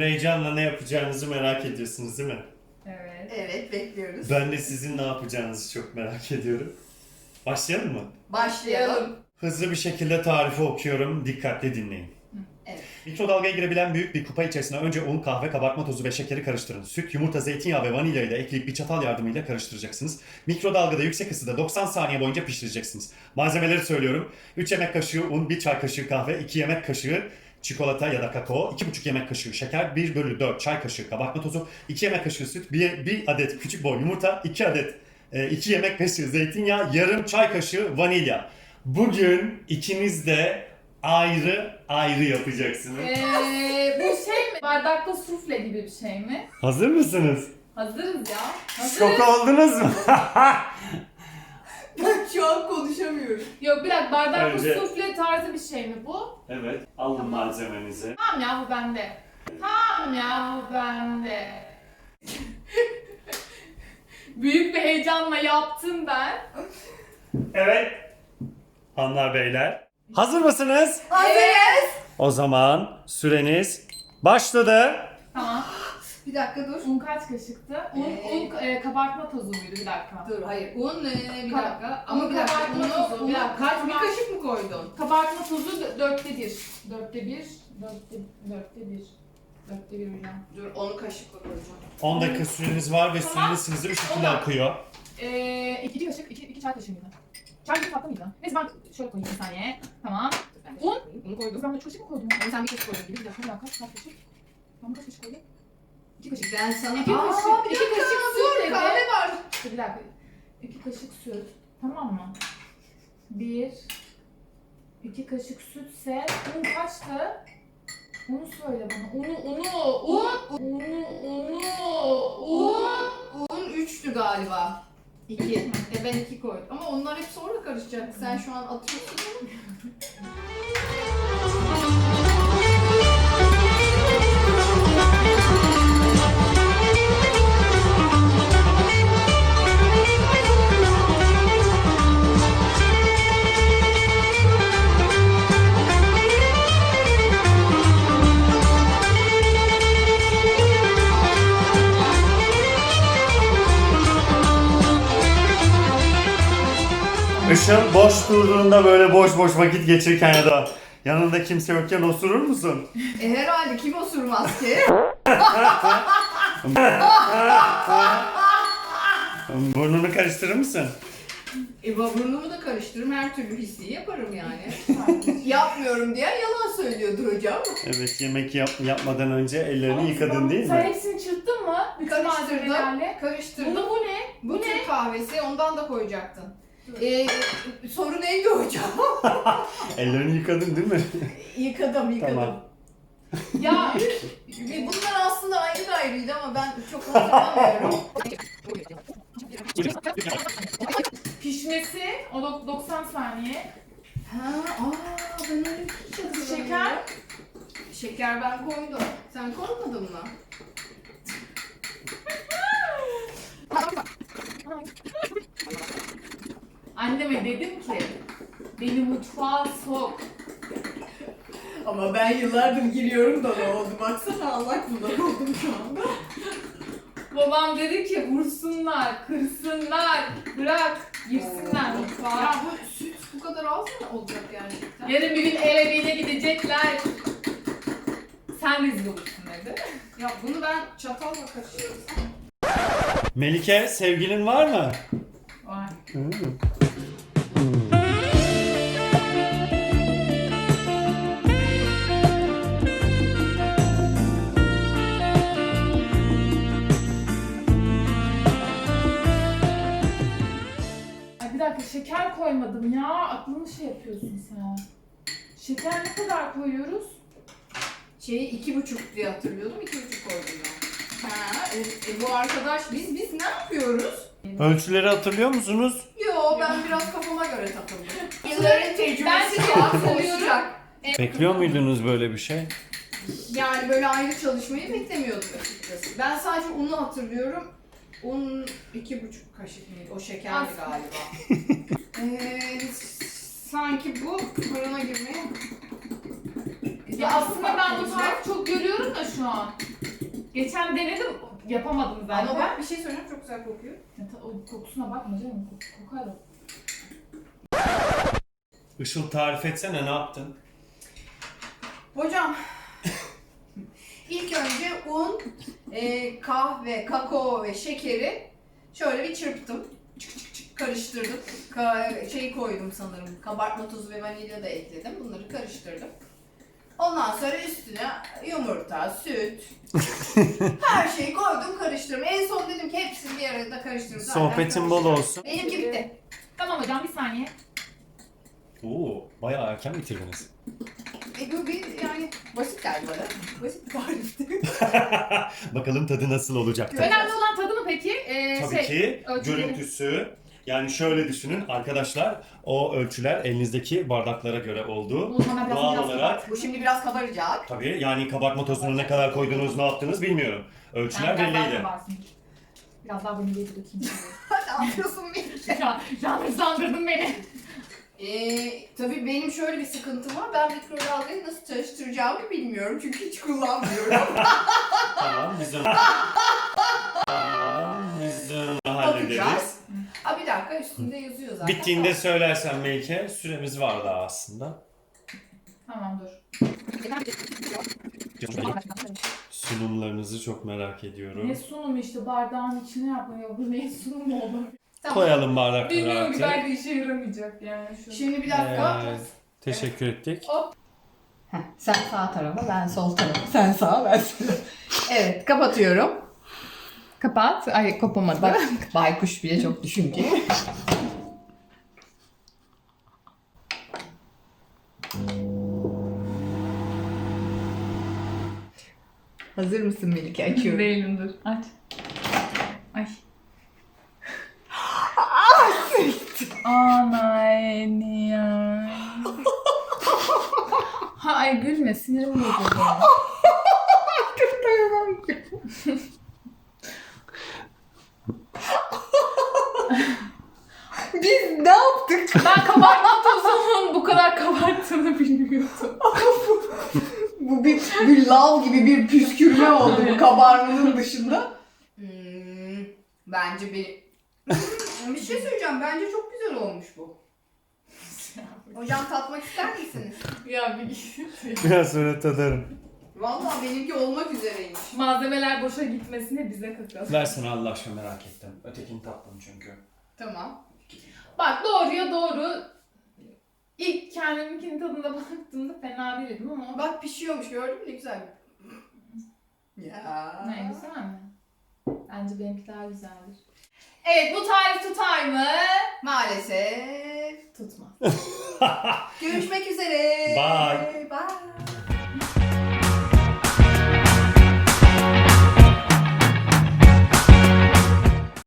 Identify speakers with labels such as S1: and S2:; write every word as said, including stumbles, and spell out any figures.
S1: Şimdi heyecanla ne yapacağınızı merak ediyorsunuz değil mi?
S2: Evet.
S3: Evet, bekliyoruz.
S1: Ben de sizin ne yapacağınızı çok merak ediyorum. Başlayalım mı?
S3: Başlayalım.
S1: Hızlı bir şekilde tarifi okuyorum. Dikkatli dinleyin.
S3: Evet.
S1: Mikrodalgaya girebilen büyük bir kupa içerisine önce un, kahve, kabartma tozu ve şekeri karıştırın. Süt, yumurta, zeytinyağı ve vanilya ile ekleyip bir çatal yardımıyla karıştıracaksınız. Mikrodalgada yüksek ısıda doksan saniye boyunca pişireceksiniz. Malzemeleri söylüyorum. üç yemek kaşığı un, bir çay kaşığı kahve, iki yemek kaşığı çikolata ya da kakao, iki buçuk yemek kaşığı şeker, bir bölü dört çay kaşığı kabartma tozu, iki yemek kaşığı süt, bir, bir adet küçük boy yumurta, iki adet iki yemek kaşığı zeytinyağı, yarım çay kaşığı vanilya. Bugün ikiniz de ayrı ayrı yapacaksınız.
S2: Ee, bu şey mi? Bardakta sufle gibi bir şey mi?
S1: Hazır mısınız?
S2: Hazırız ya. Hazırız.
S1: Şok oldunuz mu?
S3: Ben şu an konuşamıyorum.
S2: Yok bir dakika, bardakta
S1: Önce-
S2: sufle tarzı bir şey mi bu?
S1: Evet, alın malzemenizi.
S2: Tamam ya, bu bende. Tamam ya, bu bende. Büyük bir heyecanla yaptım ben.
S1: Evet. Hanlar beyler. Hazır mısınız?
S3: Hazırız.
S1: O zaman süreniz başladı.
S2: Tamam.
S3: Bir dakika dur.
S2: Un kaç kaşıktı? Un,
S3: Ee,
S2: un e, kabartma tozu muydu? Bir dakika.
S3: Dur, hayır. Un ee, bir
S2: Ka-
S3: dakika. Ama
S2: un
S3: bir dakika.
S2: kabartma
S3: Unu,
S2: tozu,
S3: unu
S2: bir dakika.
S3: kaç, bir
S2: Kabar-
S3: kaşık mı koydun?
S2: Kabartma tozu dö- dörtte bir. Dörtte bir. Dörtte, dörtte bir. Dörtte bir hocam.
S3: Dur, onu kaşıkla koyacağım.
S1: on dakika süreniz var ve
S2: Tamam.
S1: süreniz hızlı bir şekilde
S2: Tamam.
S1: akıyor.
S2: Ee, iki, iki kaşık, iki, iki çay kaşığı mıydı? Çay kaşığı tatlı mıydı? Neyse ben şöyle koyayım bir saniye. Tamam.
S3: Ben
S2: Un.
S3: Unu koydum.
S2: Ben de üç kaşık mı koydum?
S3: Yani sen bir kaşık koydun.
S2: Bir dakika, bir dakika. Kaç kaşık? Ben kaç kaşık koydum? İki kaşık.
S3: Ben sana...
S2: İki
S3: Aa,
S2: kaşık,
S3: bir
S2: iki
S3: dakika,
S2: kaşık
S3: dur,
S2: süt dedi.
S3: kahve var.
S2: Dur bir dakika. İki kaşık süt. Tamam mı? Bir. İki kaşık sütse un kaçtı? Unu söyle bana. Unu, unu, un. Unu, unu, un.
S3: Un üçtü galiba. İki. E ben iki koydum. Ama onlar hep sonra karışacak. Sen şu an atıyorsun.
S1: Işıl boş durduğunda böyle boş boş vakit geçirirken ya da yanında kimse yokken osurur musun?
S3: E herhalde kim osurmaz ki?
S1: Burnunu karıştırır mısın?
S3: E burnumu da karıştırırım. Her türlü hissi yaparım yani. Yapmıyorum diye yalan söylüyordur hocam.
S1: Evet, yemek yap yapmadan önce ellerini
S2: Ama
S1: yıkadın
S2: sen-
S1: değil
S2: Sen
S1: mi?
S2: hepsini çırptın mı? Bütün
S3: Karıştırdım.
S2: malzemelerle.
S3: Karıştırdım.
S2: Bunu bu ne?
S3: Bu
S2: Bu ne?
S3: Türk kahvesi, ondan da koyacaktın. Ee, soru neydi hocam?
S1: Ellerini yıkadın değil mi?
S3: Yıkadım, yıkadım.
S1: Tamam.
S2: Ya
S3: E, bunlar aslında ayrı ayrıydı ama ben çok hatırlamıyorum.
S2: pişmesi o dok- doksan saniye.
S3: Ha, aa ben öyle hiç hatırlamıyorum.
S2: Şeker.
S3: Şeker ben koydum. Sen koymadın mı?
S2: Anneme dedim ki beni mutfağa sok.
S3: Ama ben yıllardır giriyorum da ne oldu? Baksana Allah kulak oldum şu anda.
S2: Babam dedi ki vursunlar, kırsınlar, bırak, girsinler
S3: Ya
S2: mutfağa.
S3: bu süt bu kadar az mı olacak gerçekten?
S2: Yarın bir gün el emeğine gidecekler. Sen rezil olursun dedi.
S3: Ya bunu ben çatalla kaşıyorum.
S1: Melike, sevgilin var mı?
S2: Vay. Ay bir dakika, şeker koymadım ya. Aklını şey yapıyorsun sen. Şeker ne kadar koyuyoruz?
S3: Şeyi iki buçuk diye hatırlıyordum, iki buçuk koydum ben. Ha, e, e, bu arkadaş biz biz ne yapıyoruz?
S1: Ölçüleri hatırlıyor musunuz?
S3: Yo ben biraz kafama göre takıldım. Yılların
S2: Ben
S3: tecrübesi
S2: şey
S3: var,
S2: hatırlıyorum.
S3: konuşacak.
S1: Bekliyor muydunuz böyle bir şey?
S3: Yani böyle ayrı çalışmayı beklemiyordum açıkçası. Ben sadece unu hatırlıyorum. Un iki buçuk kaşık mıydı? O şekerli
S2: Az.
S3: galiba. ee, sanki bu fırına girmeye...
S2: Ya aslında ben bu tarifi çok görüyorum da şu an. Geçen denedim, yapamadım zaten.
S3: Ama bak bir şey söyleyeyim, çok güzel kokuyor.
S2: Ya, ta- o kokusuna bakma canım, kok- kokar o.
S1: Işıl tarif etsene, ne yaptın?
S3: Hocam, ilk önce un, e, kahve, kakao ve şekeri şöyle bir çırptım. Çık çık çık karıştırdım. Ka- şeyi koydum sanırım. Kabartma tozu ve vanilya da ekledim. Bunları karıştırdım. Ondan sonra üstüne yumurta, süt, her şeyi koydum, karıştırdım. En son dedim ki hepsini bir arada karıştırdım. Zaten
S1: Sohbetin bol
S3: karıştırdım.
S1: olsun.
S3: Benimki bitti.
S2: Tamam hocam, bir saniye.
S1: Oo, bayağı erken bitirdiniz.
S3: E bu bir yani basit geldi bana. Basit bir tarifti.
S1: Bakalım tadı nasıl olacak?
S3: Evet.
S2: Önemli olan tadı mı peki? Ee,
S1: Tabii
S2: şey,
S1: ki
S2: ölçüleri.
S1: görüntüsü. Yani şöyle düşünün arkadaşlar, o ölçüler elinizdeki bardaklara göre oldu.
S2: O zaman biraz
S1: Doğal
S2: biraz
S1: olarak
S3: Bu şimdi biraz kabaracak.
S1: tabii, yani kabartma tozunu ne kadar koydunuz, ne yaptınız bilmiyorum. Ölçüler
S2: Yani biraz daha
S1: belliydi.
S2: kabarsın. Biraz daha vanilyayı dökeyim.
S3: Ne yapıyorsun beni?
S2: Ya, yanlışlandırdın beni.
S3: Ee, tabii benim şöyle bir sıkıntım var. Ben mikrodalgayı nasıl çalıştıracağımı bilmiyorum. Çünkü hiç kullanmıyorum.
S1: Tamam, biz onu... tamam, biz onu hallederiz.
S3: Bakacağız. Ha bir dakika, üstünde yazıyor zaten.
S1: Bittiğinde söylersen Melike, süremiz var daha aslında.
S2: Tamam dur.
S1: Sunumlarınızı çok merak ediyorum.
S2: Ne sunum işte, bardağın içine yapmıyor. Bu ne sunum oldu?
S3: Tamam.
S1: Koyalım bardakları
S2: Bilmiyorum ki,
S1: artık.
S2: belki işe yaramayacak yani şu.
S3: Şimdi bir dakika.
S1: Evet, teşekkür ettik.
S3: Heh, sen sağ tarafa, ben sol tarafa. Sen sağ, ben sol. Evet, kapatıyorum.
S2: Kapat. Ay, kopamadı.
S3: Bak, baykuş bile çok düşünceli. Hazır mısın Melike? Açıyorum.
S2: Değilim, dur. Aç. Ay. Aman ya. Ha, ay gülme, sinirim bozuldu.
S3: Biz ne yaptık?
S2: Ben kabartma tozunun bu kadar kabarttığını bilmiyordum.
S3: Bu bir, bir lav gibi bir püskürme oldu bu kabarmanın dışında. Hmm, bence bir... bir şey söyleyeceğim. Bence çok güzel olmuş bu. Hocam tatmak ister misiniz?
S2: Ya bir
S1: Biraz sonra tadarım.
S3: Vallahi benimki olmak üzereymiş.
S2: malzemeler boşa gitmesine bize kakalım.
S1: Versene Allah aşkına, merak ettim. Ötekini tattım çünkü.
S3: Tamam.
S2: Bak, doğruya doğru. İlk kendiminkinin tadına baktığımda fena değildim ama.
S3: Bak pişiyormuş, gördün mü ne güzel. Ya.
S2: Ne, güzel mi? Bence benimki daha güzeldir. Evet, bu tarif tutar mı?
S3: Maalesef.
S2: Tutmaz.
S3: Görüşmek üzere.
S1: Bye.
S3: Bye.